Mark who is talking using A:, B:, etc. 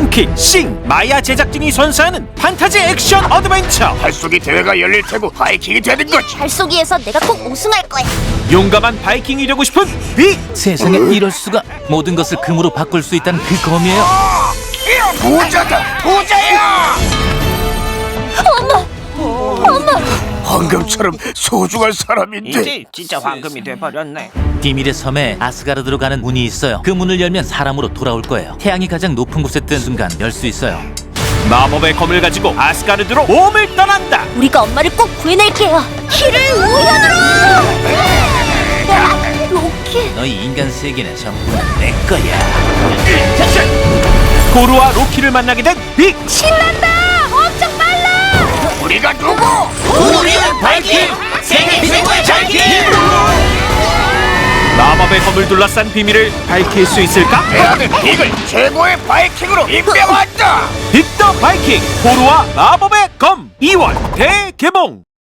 A: 리온킹 싱 마야 제작진이 선사하는 판타지 액션 어드벤처.
B: 발쏘기 대회가 열릴 테고 바이킹이 되는 거지.
C: 발쏘기에서 내가 꼭 우승할 거야.
A: 용감한 바이킹이 되고 싶은 빅.
D: 세상에 이럴 수가. 모든 것을 금으로 바꿀 수 있다는 그 검이에요.
B: 부자다, 부자야! 엄마! 황금처럼 소중한 사람인데.
E: 이제 진짜 황금이 돼버렸네.
D: 비밀의 섬에 아스가르드로 가는 문이 있어요. 그 문을 열면 사람으로 돌아올 거예요. 태양이 가장 높은 곳에 뜬 순간 열 수 있어요.
A: 마법의 검을 가지고 아스가르드로 몸을 떠난다.
C: 우리가 엄마를 꼭 구해낼게요. 키를 우연으로! 로키.
D: 너희 인간 세계는 전부 내 거야.
A: 고루와 로키를 만나게 된 빅.
C: 신난다! 엄청 빨라!
B: 우리가 누구?
E: 우리는 바이킹! 세계 최고의 바이킹!
A: 마법의 검을 둘러싼 비밀을 밝힐 수 있을까?
B: 내 아들 빅을 최고의 바이킹으로 임명한다.
A: 빅 더 바이킹 고루와 마법의 검 2월 대개봉.